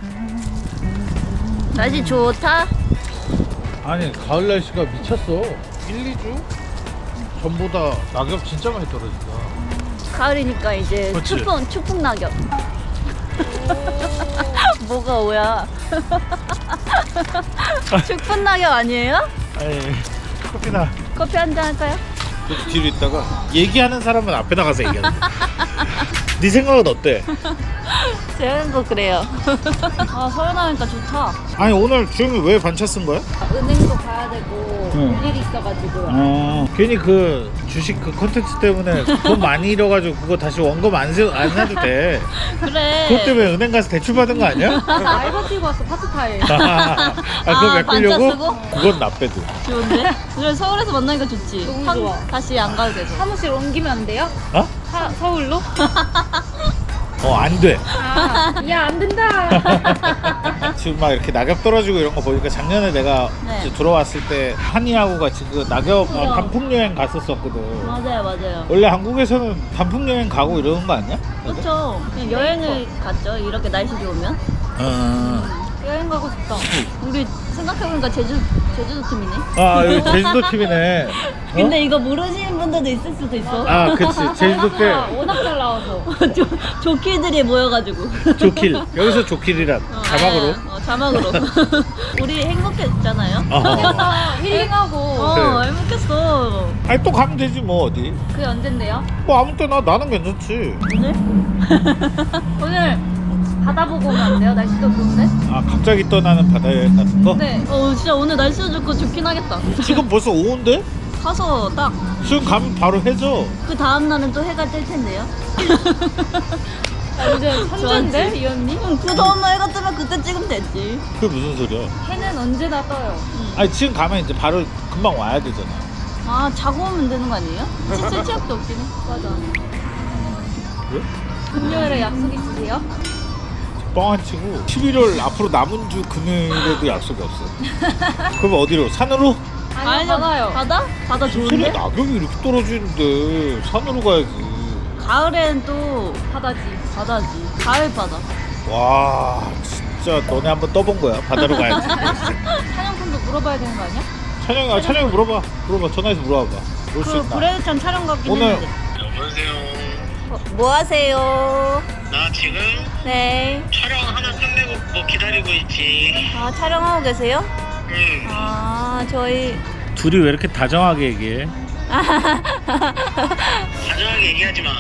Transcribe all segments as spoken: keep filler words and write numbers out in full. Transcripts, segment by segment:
날씨 좋다? 아니 가을 날씨가 미쳤어. 일, 이 주 전보다 낙엽 진짜 많이 떨어진다. 가을이니까 이제 그치? 추풍, 추풍 낙엽. 뭐가 오야? 추풍 낙엽 아니에요? 아니 커피나 커피 한잔 할까요? 그 뒤로 있다가 얘기하는 사람은 앞에 나가서 얘기하는 거야. 네 생각은 어때? 제 생각 그래요. 아 서울 나오니까 좋다. 아니 오늘 주영이 왜 반차 쓴 거야? 은행도 가야 되고 응. 볼 일이 있어가지고요. 어 괜히 그 주식 그 컨텐츠 때문에 돈 많이 잃어가지고 그거 다시 원금 안, 세, 안 사도 돼. 그래. 그것 때문에 은행 가서 대출 받은 거 아니야? 알바 뛰고 왔어 파트타임. 아, 그거 아, 메꾸려고? 반차 쓰고? 그건 나빼도. 좋은데? 그래 서울에서 만나니까 좋지. 너무 한- 좋아. 다시 안 가도 돼서. 사무실 옮기면 안 돼요? 어? 사, 서울로? 어 안 돼. 아, 야 안 된다. 지금 막 이렇게 낙엽 떨어지고 이런 거 보니까 작년에 내가 네. 이제 들어왔을 때 한이하고 같이 그 낙엽 그죠. 어, 단풍 여행 갔었었거든. 맞아요, 맞아요. 원래 한국에서는 단풍 여행 가고 이러는 거 아니야? 그렇죠. 그냥 여행을 갔죠. 이렇게 날씨 좋으면. 어. 여행 가고 싶다. 우리 생각해보니까 제주 제주도 팀이네. 아 여기 제주도 팀이네. 어? 근데 이거 모르시는 분들도 있을 수도 있어. 아 그치 제주도 아, 때 워낙 잘 나와서. 조, 조키들이 모여가지고. 조킬 여기서 조킬이란 어, 자막으로. 아, 어, 자막으로. 우리 행복했잖아요. 어. 그래서 힐링하고. 어, 그래. 행복했어. 아니 또 가면 되지 뭐 어디. 그게 언젠데요? 뭐 아무 때나 나는 괜찮지. 오늘? 오늘 바다 보고 오면 안 돼요? 날씨도 좋은데? 아 갑자기 떠나는 바다 여행 같은 거? 네. 어, 진짜 오늘 날씨도 좋고 좋긴 하겠다. 지금 벌써 오후인데? 가서 딱 그 지금 가면 바로 해져. 다음 날은 또 해가 뜰 텐데요. 아, 요즘 선전데 이 언니? 응, 그 다음 날 해가 뜨면 그때 찍으면 되지. 그게 무슨 소리야? 해는 언제나 떠요. 아니 지금 가면 이제 바로 금방 와야 되잖아. 아, 자고 오면 되는 거 아니에요? 칠칠 치약도 없긴 해. 맞아. 왜? 금요일에 약속 있으세요? 뻥안 치고 십일월 앞으로 남은 주 금요일에도 약속이 없어. 그럼 어디로? 산으로? 아니요 바다요. 바다? 바다 무슨 좋은데? 소리야? 낙엽이 이렇게 떨어지는데 산으로 가야지. 가을엔 또 바다지. 바다지. 가을 바다. 와 진짜 너네 한번 떠본 거야. 바다로 가야지. 사냥꾼도 물어봐야 되는 거 아니야? 찬영이 아 찬영이 물어봐. 물어봐. 전화해서 물어봐봐. 올 수 그 있나? 브레드찬 촬영 갔긴 오늘- 했는데. 여보세요. 어, 뭐 하세요? 나 지금 네. 촬영 하나 끝내고 뭐 기다리고 있지. 아, 촬영하고 계세요? 응. 아, 저희 둘이 왜 이렇게 다정하게 얘기해? 다정하게 얘기하지 마.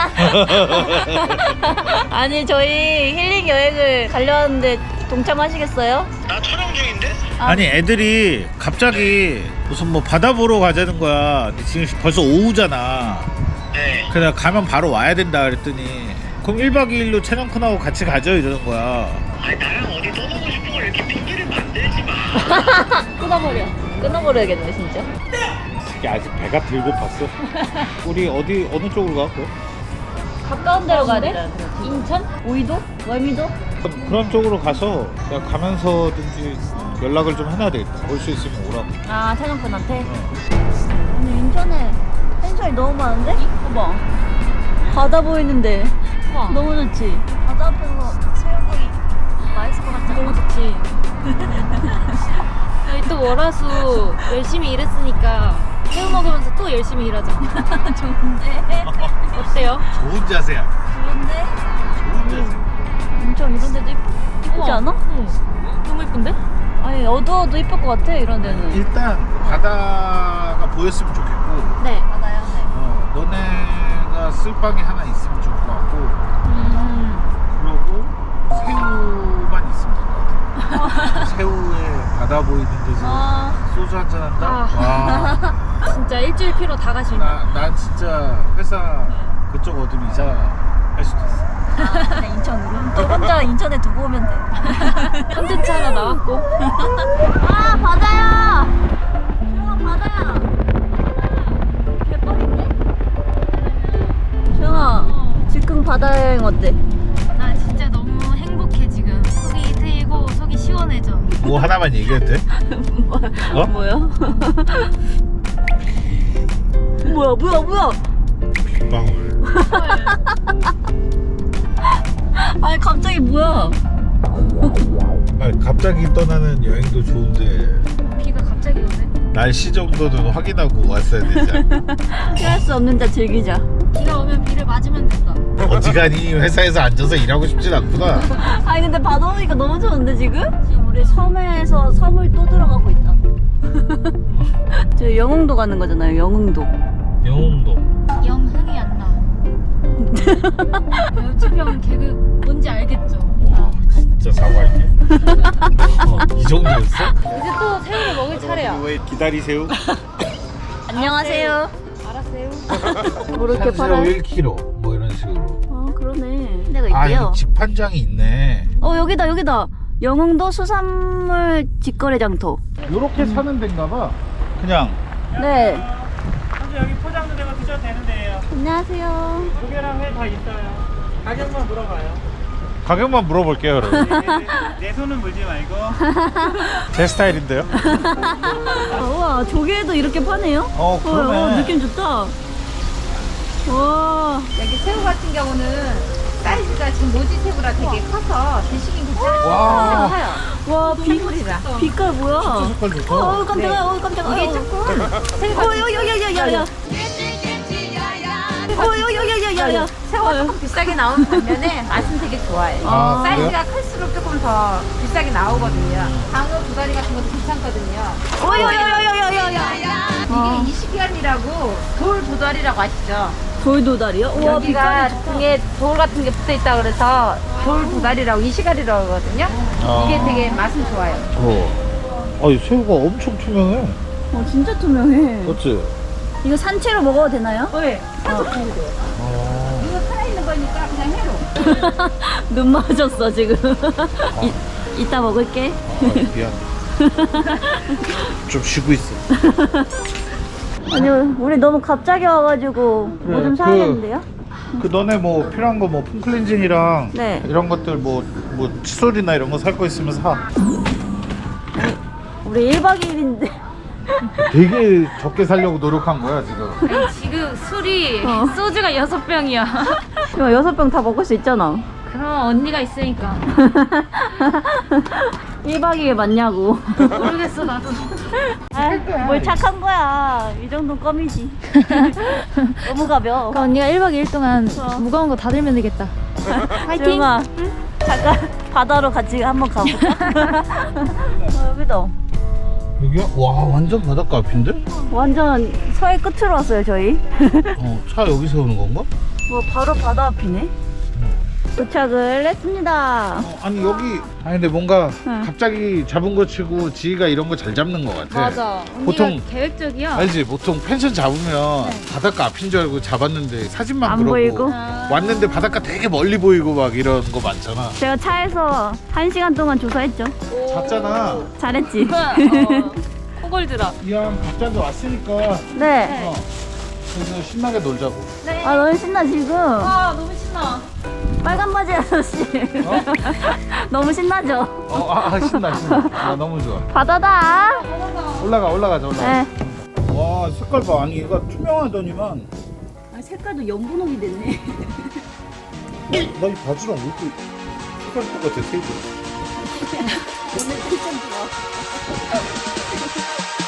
아니, 저희 힐링 여행을 가려 하는데 동참하시겠어요? 나 촬영 중인데? 아. 아니 애들이 갑자기 무슨 뭐 바다 보러 가자는 거야. 근데 지금 벌써 오후잖아. 네. 그래 가면 바로 와야 된다 그랬더니 그럼 일 박 이 일로 촬영쿤하고 같이 가죠 이러는 거야. 아니 나랑 어디 떠나고 싶은 걸 이렇게 핑계를 만들지 마. 끊어버려. 끊어버려야겠네, 진짜. 이게 아직 배가 들고 봤어. 우리 어디 어느 쪽으로 가? 그럼? 가까운 데로 가야 돼? 인천? 오이도? 월미도? 그런 쪽으로 가서 내가 가면서든지 연락을 좀 해놔야 되겠다. 올 수 있으면 오라고. 아, 촬영분한테? 오늘 인천에 펜션이 너무 많은데? 봐봐. 바다 보이는데 우와. 너무 좋지? 바다 앞에서 새우구이 맛있을 것 같지 않아? 너무 좋지. 여기 또 월화수 열심히 일했으니까 새우 먹으면서 또 열심히 일하자. 좋은데? 어때요? 좋은 자세야. 좋은데? 좋은 자세. 인천 이런 데도 이쁘, 이쁘지 우와. 않아? 응. 너무 예쁜데? 아니, 어두워도 이쁠 것 같아, 이런 데는. 일단 바다가 보였으면 좋겠고 네. 바다야, 네. 어, 너네가 쓸 방이 하나 있으면 좋을 것 같고 음. 그러고 새우만 있으면 될 것 같아. 새우에 바다 보이는 데서 아. 소주 한잔 한다? 아. 와. 진짜 일주일 피로 다 가시네. 나, 난 진짜 회사 그쪽 어디로 이사할 수도 있어. 아, 그냥 인천으로? 저 혼자 인천에 두고 오면 돼. 컨텐츠 하나 나왔고. 아, 바다야! 조영아, 바다야! 개빡인데? 조영아, 즉흥 바다 여행 어때? 나 진짜 너무 행복해 지금. 속이 트이고 속이 시원해져. 뭐 하나만 얘기해도 돼? 어? 뭐야? 뭐야, 뭐야, 뭐야! 빗방울. 아니, 갑자기 뭐야? 아니, 갑자기 떠나는 여행도 좋은데 비가 갑자기 오네. 날씨 정도는 확인하고 왔어야 되지 않나? 피할 수 없는 자 즐기자. 비가 오면 비를 맞으면 된다. 어지간히 회사에서 앉아서 일하고 싶진 않구나. 아니 근데 바다 오니까 너무 좋은데 지금? 지금 우리 섬에서 섬을 또 들어가고 있다. 저 영흥도 가는 거잖아요. 영흥도. 영웅도. 영흥이 안 나. 여주병 개그 뭔지 알겠죠? 와 진짜 사과할게. 어, 이 정도였어? 이제 또 새우를 먹을 차례야. 왜 기다리세요? 안녕하세요. 알았어요. 뭐 이렇게 산수유 팔아요? 일 킬로그램 뭐 이런 식으로. 아 그러네. 내가 아 있대요. 이거 집판장이 있네. 어 여기다 여기다. 영흥도 수산물 직거래 장터. 요렇게 사는 데인가 봐. 그냥 네. 현재 여기 포장도 되고 드셔도 되는데요. 안녕하세요. 조개랑 회 다 있어요. 가격만 물어봐요. 가격만 물어볼게요 여러분. 내, 내, 내 손은 물지 말고. 제 스타일인데요. 아, 우와 조개도 이렇게 파네요? 어 그러네. 어, 느낌 좋다. 와. 여기 새우 같은 경우는 사이즈가 지금 모지 새우라 되게 커서 드시긴 괜찮아요. 와. 와 비, 빛깔 뭐야? 색깔 좋다. 어 깜짝이야. 어 깜짝이야. 이게 조금 새우가 어 야야야야야야. 어 야야야야야. 새우가 조금 비싸게 나오는 반면에 맛은 되게 좋아요. 아, 사이즈가 클수록 조금 더 비싸게 나오거든요. 방어 두 다리 같은 것도 괜찮거든요. 어 야야야야야야. 아. 이게 이시기안이라고 돌 도다리라고 아시죠? 돌도다리요? 와 여기가 빛깔이 좋다. 등에 돌 같은 게 붙어 있다 그래서 돌 도다리라고 이시가리라고 하거든요. 아. 이게 되게 맛은 좋아요. 어. 아이 새우가 엄청 투명해. 어 진짜 투명해. 그렇지? 이거 산채로 먹어도 되나요? 네. 아. 이거 살아있는 거니까 그냥 해로. 눈 맞았어 지금. 이, 이따 먹을게. 아, 미안. 좀 쉬고 있어. 아니 우리 너무 갑자기 와가지고 뭐 좀 그래, 사야겠는데요? 그 너네 뭐 필요한 거 뭐 폼클렌징이랑 네. 이런 것들 뭐 뭐 칫솔이나 이런 거 살 거 있으면 사. 우리 일 박 이 일인데 되게 적게 살려고 노력한 거야 지금. 아니, 지금 술이 어. 소주가 여섯 병이야. 이거 여섯 병 다 먹을 수 있잖아. 그럼 언니가 있으니까. 일 박 이 일 맞냐고. 모르겠어 나도. 아, 뭘 착한 거야. 이 정도는 껌이지. 너무 가벼워. 그럼 언니가 일 박 이 일 동안 어. 무거운 거 다 들면 되겠다. 파이팅! 조용아, 잠깐 바다로 같이 한번 가볼까? 어, 여기다. 여기야? 와 완전 바닷가 앞인데? 완전 서해 끝으로 왔어요 저희. 어, 차 여기 세우는 건가? 뭐 바로 바다 앞이네. 도착을 했습니다. 어, 아니 여기 아니 근데 뭔가 응. 갑자기 잡은 거 치고 지희가 이런 거 잘 잡는 것 같아. 맞아. 언니가 보통- 계획적이야. 알지? 보통 펜션 잡으면 바닷가 앞인 줄 알고 잡았는데 사진만 안 그러고 보이고. 아. 왔는데 바닷가 되게 멀리 보이고 막 이런 거 많잖아. 제가 차에서 한 시간 동안 조사했죠. 잤잖아. 잘했지. 어, 코골드라. 이왕 각자도 왔으니까 네. 어, 그래서 신나게 놀자고. 아 너무 신나 지금. 아 너무 신나. 빨간 바지 아저씨. 어? 너무 신나죠? 어, 아, 아, 신나 신나. 나 너무 좋아. 바다다. 올라가 올라가자 올라가. 네. 와 색깔 봐. 아니 얘가 투명하더니만. 아, 색깔도 연분홍이 됐네. 나 이 바지랑 왜 이렇게 색깔 똑같아 테이블. 오늘 텐션 좋아.